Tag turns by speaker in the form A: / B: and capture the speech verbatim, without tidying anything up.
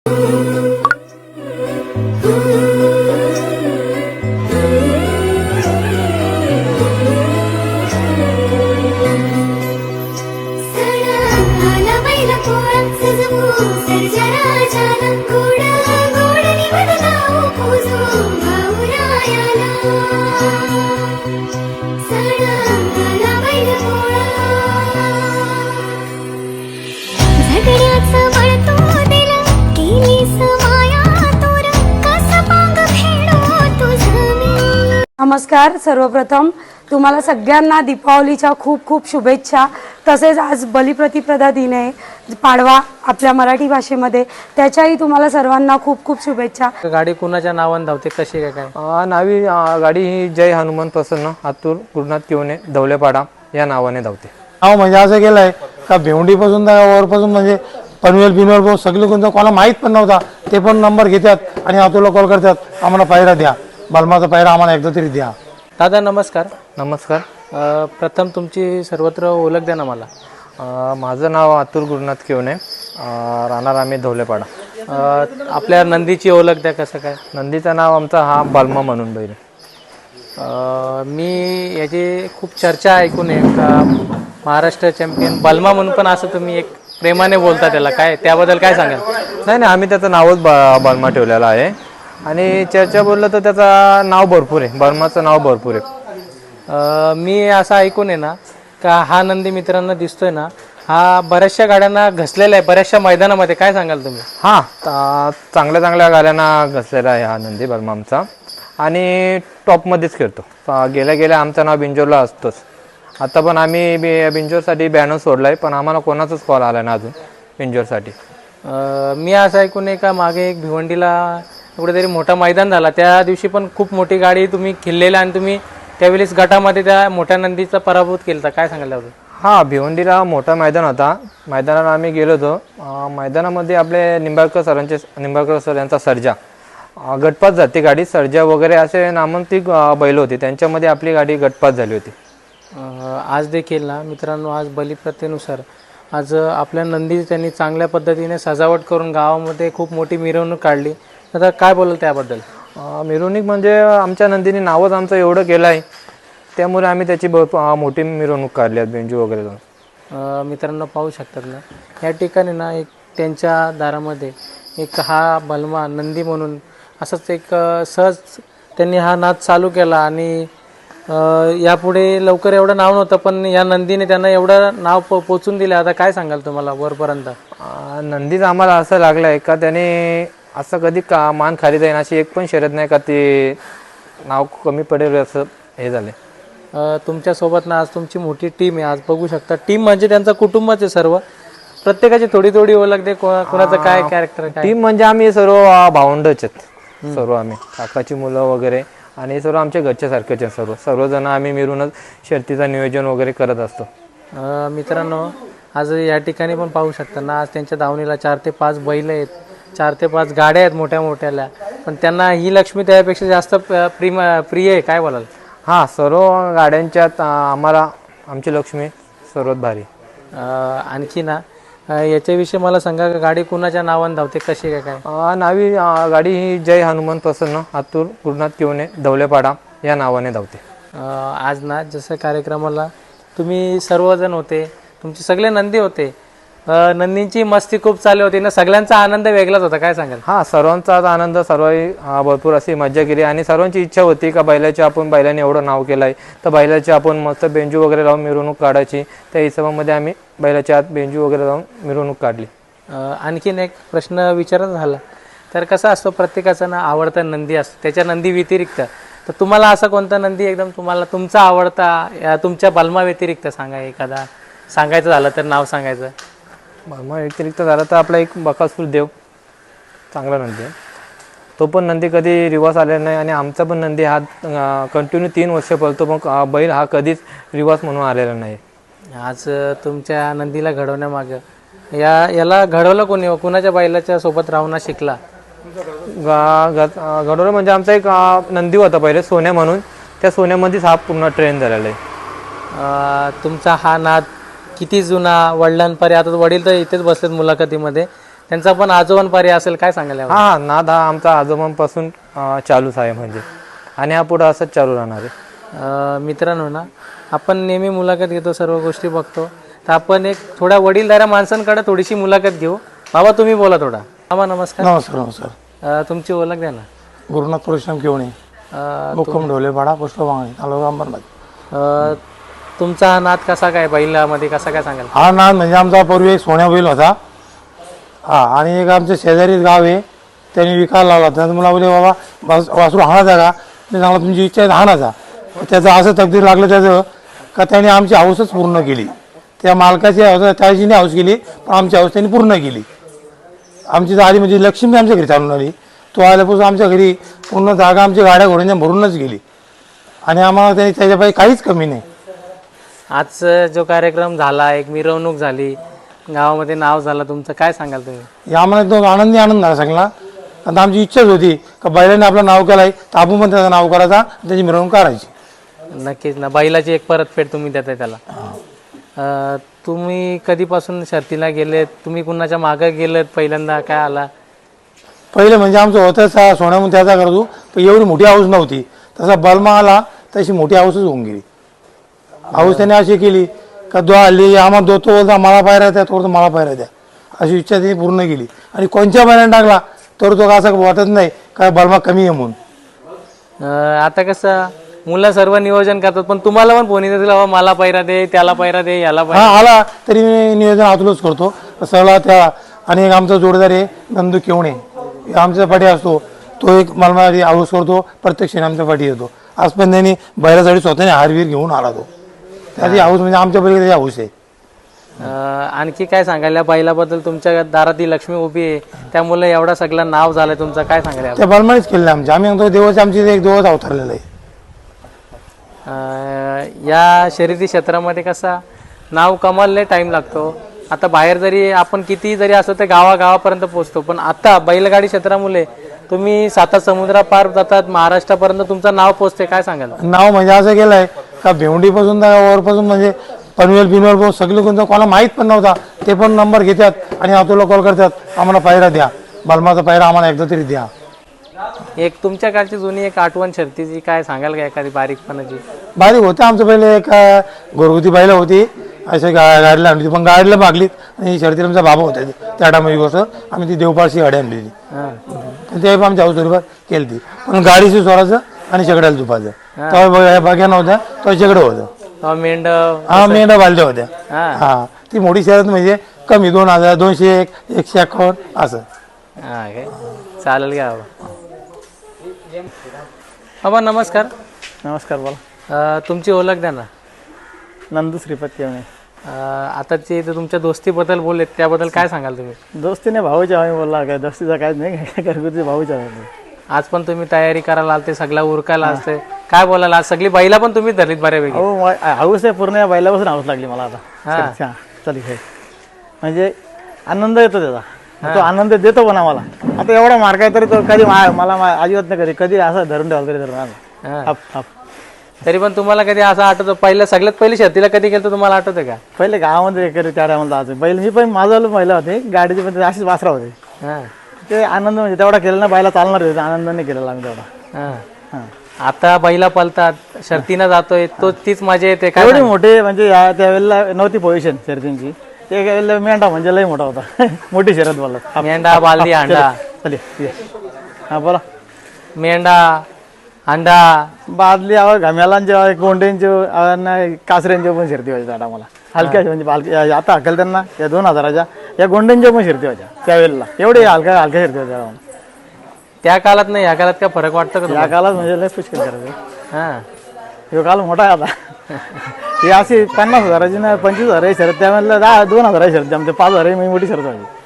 A: नमस्कार. सर्वप्रथम तुम्हाला सगळ्यांना दीपावलीच्या खूप खूप शुभेच्छा. तसेच आज बलिप्रतिपदा दिन आहे, पाडवा आपल्या मराठी भाषेमध्ये, त्याच्याही तुम्हाला सर्वांना खूप खूप शुभेच्छा.
B: गाडी कुणाच्या नावाने धावते, कशी काय काय?
C: नावी गाडी ही जय हनुमान प्रसन्न आतूर गुरुनाथ किवणे धवलेपाडा या नावाने धावते.
D: नाव म्हणजे असं केलंय का भेवंडीपासून वरपासून म्हणजे पनवेल बिनवेल भाऊ सगळे कोणतं कोणाला माहीत पण नव्हता, ते पण नंबर घेतात आणि आतूरला कॉल करतात, आम्हाला पायरा द्या, बलमाचा पायरा आम्हाला एकदा तरी द्या.
B: दादा नमस्कार.
C: नमस्कार.
B: प्रथम तुमची सर्वत्र ओळख द्या ना मला.
C: माझं नाव आतूर गुरुनाथ किवणे, राहणार आम्ही धवलेपाडा.
B: आपल्या नंदीची ओळख द्या, कसं काय?
C: नंदीचं नाव आमचा हा बलमा म्हणून बैल.
B: मी याची खूप चर्चा ऐकून आहे का महाराष्ट्र चॅम्पियन बलमा म्हणून, पण असं तुम्ही एक प्रेमाने बोलता त्याला, काय त्याबद्दल काय सांगाल?
C: नाही नाही, आम्ही त्याचं नावच ब बलमा ठेवलेलं आहे आणि चर्चा बोललं तर त्याचं नाव भरपूर आहे, बलमाचं नाव भरपूर आहे.
B: मी असं ऐकून आहे ना का हा नंदी मित्रांना दिसतोय ना, हा बऱ्याचशा गाड्यांना घसलेला आहे बऱ्याचशा मैदानामध्ये, काय सांगाल तुम्ही?
C: हां, चांगल्या चांगल्या गाड्यांना घसलेला आहे हा नंदी बलमा आमचा आणि टॉपमध्येच खेळतो. गेल्या गेल्या आमचं नाव बिंजोरला असतोच. आता पण आम्ही बि बिंजोरसाठी बॅनर सोडला आहे, पण आम्हाला कोणाचाच कॉल आला ना अजून बिंजोरसाठी.
B: मी असं ऐकून आहे का मागे एक भिवंडीला कुठेतरी मोठा मैदान झाला, त्या दिवशी पण खूप मोठी गाडी तुम्ही खेळलेला आणि तुम्ही त्यावेळेस गटामध्ये त्या मोठ्या नंदीचा पराभूत केला, काय सांगायला होतं?
C: हां, भिवंडीला मोठा मैदान होता, मैदानाला आम्ही गेलो होतो. मैदानामध्ये आपले निंबाळकर सरांचे निंबाळकर सर यांचा सर्जा गटपास जाते गाडी, सर्जा वगैरे असे नामांकित बैल होते, त्यांच्यामध्ये आपली गाडी गटपास झाली होती.
B: आज देखील ना मित्रांनो, आज बलिप्रथेनुसार आज आपल्या नंदी त्यांनी चांगल्या पद्धतीने सजावट करून गावामध्ये खूप मोठी मिरवणूक काढली. आता काय बोलाल त्याबद्दल?
C: मिरवणूक म्हणजे आमच्या नंदीने नावच आमचं एवढं केलं आहे, त्यामुळे आम्ही त्याची मोठी मिरवणूक काढली आहे बेंजू वगैरे जाऊन.
B: मित्रांनो पाहू शकतात ना, या ठिकाणी ना एक त्यांच्या दारामध्ये एक हा बलमा नंदी म्हणून असंच एक सहज त्यांनी हा नाद चालू केला आणि यापुढे लवकर एवढं नाव नव्हतं, पण या नंदीने त्यांना एवढं नाव पो पोचून दिलं. आता काय सांगाल तुम्हाला वरपर्यंत?
C: नंदीचं आम्हाला असं लागलं आहे का त्याने असं कधी का मान खाली जाईन अशी एक पण शर्यत नाही का ते नाव कमी पडेल असं हे झालं.
B: तुमच्यासोबत ना आज तुमची मोठी टीम आहे, आज बघू शकता. टीम म्हणजे त्यांचं कुटुंबच आहे सर्व, प्रत्येकाची थोडी थोडी ओळख दे, कोणाचं काय कॅरेक्टर.
C: टीम म्हणजे आम्ही सर्व भावंडच आहेत, सर्व आम्ही काकाची मुलं वगैरे आणि सर्व आमच्या घरच्या सारखेच आहेत. सर्व सर्वजण आम्ही मिळूनच शर्तीचं नियोजन वगैरे करत असतो.
B: मित्रांनो आज या ठिकाणी पण पाहू शकता ना, आज त्यांच्या दावणीला चार ते पाच बैल आहेत, चार ते पाच गाड्या आहेत मोठ्या मोठ्याल्या, पण त्यांना ही लक्ष्मी त्यापेक्षा जास्त प्रिम प्रिय आहे, काय बोलाल?
C: हां, सर्व गाड्यांच्यात आम्हाला आमची लक्ष्मी सर्वात भारी.
B: आणखी ना याच्याविषयी मला सांगा, गाडी कुणाच्या नावाने धावते, कशी काय काय?
C: नावी गाडी ही जय हनुमान प्रसन्न आतूर गुरुनाथ किवणे धवलेपाडा या नावाने धावते.
B: आज ना जसं कार्यक्रमाला तुम्ही सर्वजण होते, तुमचे सगळे नंदी होते, नंदींची मस्ती खूप चालू होती ना, सगळ्यांचा आनंद वेगळाच होता, काय सांगाल?
C: हां, सर्वांचाच आनंद, सर्व भरपूर अशी मजा केली आणि सर्वांची इच्छा होती का बैलाची आपण बैलाने एवढं नाव केलं आहे तर बैलाची आपण मस्त बेंजू वगैरे लावून मिरवणूक काढायची. त्या हिशोबामध्ये आम्ही बैलाच्या आत बेंजू वगैरे लावून मिरवणूक काढली.
B: आणखीन एक प्रश्न विचारत झाला तर कसा असतो, प्रत्येकाचा ना आवडता नंदी असतो, त्याच्या नंदी व्यतिरिक्त तर तुम्हाला असा कोणता नंदी एकदम तुम्हाला तुमचा आवडता तुमच्या बलमा व्यतिरिक्त सांगा एखादा, सांगायचं झालं तर नाव सांगायचं?
C: बलमा व्यतिरिक्त झालं तर आपला एक बकासूर देव चांगला नंदी आहे, तो पण नंदी कधी रिवास आलेला नाही आणि आमचा पण नंदी हा कंटिन्यू तीन वर्ष पळतो, पण बैल हा कधीच रिवास म्हणून आलेला नाही.
B: आज तुमच्या नंदीला घडवण्यामागं या याला घडवलं कोणी, कुणाच्या बैलाच्या सोबत राहून शिकला?
C: घडवलं म्हणजे आमचा एक नंदी होता पहिले सोन्या म्हणून, त्या सोन्यामध्येच हा पूर्ण ट्रेन झालेला आहे.
B: तुमचा हा नाद किती जुना, वडिलांपर्यंत, आता वडील तर इथेच बसलेत मुलाखतीमध्ये, त्यांचा पण आजोबांपारी असेल, काय सांगाल यावर?
C: हा नाद हा आमचा आजोबांपासून अं, चालूच आहे म्हणजे, आणि हा पुढं असंच चालू राहणार आहे.
B: अ, मित्रांनो ना, आपण नेहमी मुलाखत घेतो, सर्व गोष्टी बघतो, तर आपण एक थोड्या वडीलधाऱ्या माणसांकडे थोडीशी मुलाखत घेऊ. बाबा तुम्ही बोला थोडा. बाबा नमस्कार.
D: नमस्कार नमस्कार.
B: अ, तुमची ओळख द्या ना.
D: गुरुनाथ परशुराम केवणे,
B: अ,
D: मुक्कम ढोलेपाडा, पोस्ट बांगणे, तालुका अंबरनाथ.
B: अ, तुमचा हा नाद कसा काय, बैलामध्ये कसा काय सांगाल?
D: हा नाद म्हणजे आमचा पूर्वी एक सोन्या बैल होता. हा, आणि एक आमच्या शेजारीच गाव आहे, त्यांनी विकायला लावला. त्याचं मला बोलले बाबा वास वासरू हाणायचा का? मी सांगला तुमची इच्छा आहे हाणायचा. त्याचं असं तकदीर लागलं त्याचं का त्याने आमची हौसच पूर्ण केली. त्या मालकाची हौस त्याची नाही हौस केली, पण आमची हौस त्यांनी पूर्ण केली. आमची आली म्हणजे लक्ष्मी आमच्या घरी चालून आली. तो आल्यापासून आमच्या घरी पूर्ण जागा आमची गाड्या घोड्यांच्या भरूनच गेली, आणि आम्हाला त्यांनी त्याच्यापायी काहीच कमी नाही.
B: आज जो कार्यक्रम झाला, एक मिरवणूक झाली, गावामध्ये नाव झालं तुमचं, काय सांगाल तुम्ही?
D: हे आम्हाला एकदम आनंदी आनंद झाला सगळा. कारण आमची इच्छाच होती का बैलाने आपलं नाव केलं आहे तर आपण पण त्याचं नाव करायचा आणि त्याची मिरवणूक करायची.
B: नक्कीच ना, बैलाची एक परतफेड तुम्ही देताय त्याला. अ, तुम्ही कधीपासून शर्तीला गेलेत? तुम्ही कुणाच्या मागं गेलेत? पहिल्यांदा काय आला?
D: पहिले म्हणजे आमचं होतं सा सोन्यामध्ये त्याचा करतो, पण एवढी मोठी हाऊस नव्हती. तसा बलमा आला तशी मोठी हाऊसच होऊन गेली. हाऊस त्याने अशी केली का दो आली आम्हाला दो तो बोलता मला पायऱ्या द्या, तो मला पायऱ्या द्या, अशी इच्छा त्यांनी पूर्ण केली. आणि कोणत्या बैलाने टाकला तर तो असं वाटत नाही का बलमा कमी आहे म्हणून.
B: अ, आता कसं मुलं सर्व नियोजन करतात, पण तुम्हाला पण फोन येतील बाबा मला पैरा दे, त्याला पैरा दे, याला
D: हा
B: पैरा.
D: आला तरी मी नियोजन आतूनच करतो सगळा त्या. आणि एक आमचा जोडदार आहे नंदू केवणे, आमच्या पाठी असतो, तो एक मला हाऊस करतो, प्रत्यक्षाने आमच्या पाठी येतो. आज पण त्यांनी बैलासाठी स्वतःने हारवीर घेऊन आला तो. त्याची हाऊस म्हणजे आमच्या पलीकडे त्याची हाऊस आहे.
B: अ, आणखी काय सांगाल या बैलाबद्दल? तुमच्या दारात ही लक्ष्मी उभी आहे, त्यामुळे एवढा सगळं नाव झालं तुमचं, काय सांगाल यावर?
D: त्या बलमानेच केलेलं आमच्या. आम्ही म्हणतो देवाची आमची एक देवच अवतरलेलं आहे.
B: अ, या शर्यती क्षेत्रामध्ये कसा नाव कमालले टाइम लागतो. आता बाहेर जरी आपण किती जरी असं तर गावागावापर्यंत पोहोचतो, पण आता बैलगाडी क्षेत्रामुळे तुम्ही साता समुद्रा पार जातात, महाराष्ट्रापर्यंत तुमचं नाव पोहोचते, काय सांगाल?
D: नाव म्हणजे असं केलं आहे का भेवंडीपासून तर वरपासून म्हणजे पनवेल बिनवेल पासून सगळे कोणतं कोणाला माहीत पण नव्हता, ते पण नंबर घेतात आणि आतोला कॉल करतात आम्हाला पायरा द्या, बलमाचा पायरा आम्हाला एकदा तरी द्या.
B: एक तुमच्या काळची जुनी एक आठवण शर्तीची काय सांगाल का, एखादी बारीकपणाची?
D: बारीक होतं आमचं पहिले एक अं, घरगुती बैलं होती, असे गा गाडीला आणली होती, पण गाडीला मागलीत आणि शर्तीला आमचा बाबा होता त्या टायमाची गोष्ट. आम्ही ती देवपाळची गाडी आणलेली,
B: हां
D: ते आमच्या हाऊसवर केली ती, पण गाडीची स्वराचं आणि शेगड्याला झुपायचं. तेव्हा बघ्या नव्हत्या, तेव्हा शेगडं होतं.
B: मेंढ
D: हा मेंढ्या बालद्या होत्या.
B: हां
D: हा ती मोठी शर्यत म्हणजे कमी दोन हजार दोनशे एक एकशे अठ्ठावन्न असं.
B: हां काय चालेल का बाबा? बाबा नमस्कार.
E: नमस्कार, बोला.
B: अ, तुमची ओळख द्या ना.
E: नंदू श्रीपत केवणे.
B: अ, आता जे ते तुमच्या दोस्तीबद्दल बोललेत त्याबद्दल काय सांगाल तुम्ही?
E: दोस्तीने भाऊच्या आम्ही बोलला, काय दोस्तीचा काहीच नाही, काय घरगुती भाऊच्या आम्ही.
B: आज पण तुम्ही तयारी करायला आलते, सगळा उरकायला असते, काय बोलायला? आज सगळी बैला पण तुम्ही धरलीत बऱ्यापैकी.
E: अहो मा- हाऊस आहे पूर्ण, या बैलापासून हाऊस लागली मला आता.
B: हा.
E: हा चल हे म्हणजे आनंद येतो त्याचा, तो आनंद देतो पण आम्हाला. आता एवढा मार्ग आहे तरी तो कधी मा- मला मा- अजिबात नाही, कधी कधी असं धरून ठेवला तरी धरून आला.
B: हां.
E: Half half.
B: तरी पण तुम्हाला कधी असं आठवतं, पहिलं सगळ्यात पहिली शर्तीला कधी गेलं तुम्हाला आठवतं का?
E: पहिले गावामध्ये कधी त्या टायमाला जायचं बैल, मी पण माझं महिला होते गाडीची, पण अशीच वासरा होते.
B: हां
E: ते आनंद म्हणजे तेवढा केला ना, बैला चालणार होते, आनंदाने केलेला आम्ही तेवढा.
B: हां.
E: हां.
B: आता बैला पलतात, शर्तीनं जातोय, तो तीच मजा येते काय?
E: एवढे मोठे म्हणजे या त्यावेळेला नव्हती पोझिशन शर्यतींची, ते वेळेला मेंढा म्हणजे लई मोठा होता. मोठी शर्यत बोलला.
B: मेंढा, बालदी, अंडा.
E: चल ये. हा बोला.
B: मेंढा, अंडा,
E: बादली आवा घाम्यालांचे, गोंड्यांचे, कासऱ्यांचे पण शर्ती व्हायच्या आता मला. हलक्या म्हणजे बालकी आता हकल त्यांना या दोन हजाराच्या या गोंड्यांच्या पण शर्ती व्हायच्या त्यावेळेला. एवढे हलक्या हलक्या शर्ती व्हायच्या आम्हाला.
B: त्या काळात नाही, या काळात काय फरक वाटतं का
E: या
B: तुम्हाला?
E: काळात म्हणजे लय पुष्कळ करायचं.
B: हां
E: हे काल मोठा आहे आता. ही अशी पन्नास हजाराची ना पंचवीस हजार शर्यत, त्यावेळेला दहा दोन हजाराची शर्ती, आमच्या पाच हजार मोठी शर्त व्हायची.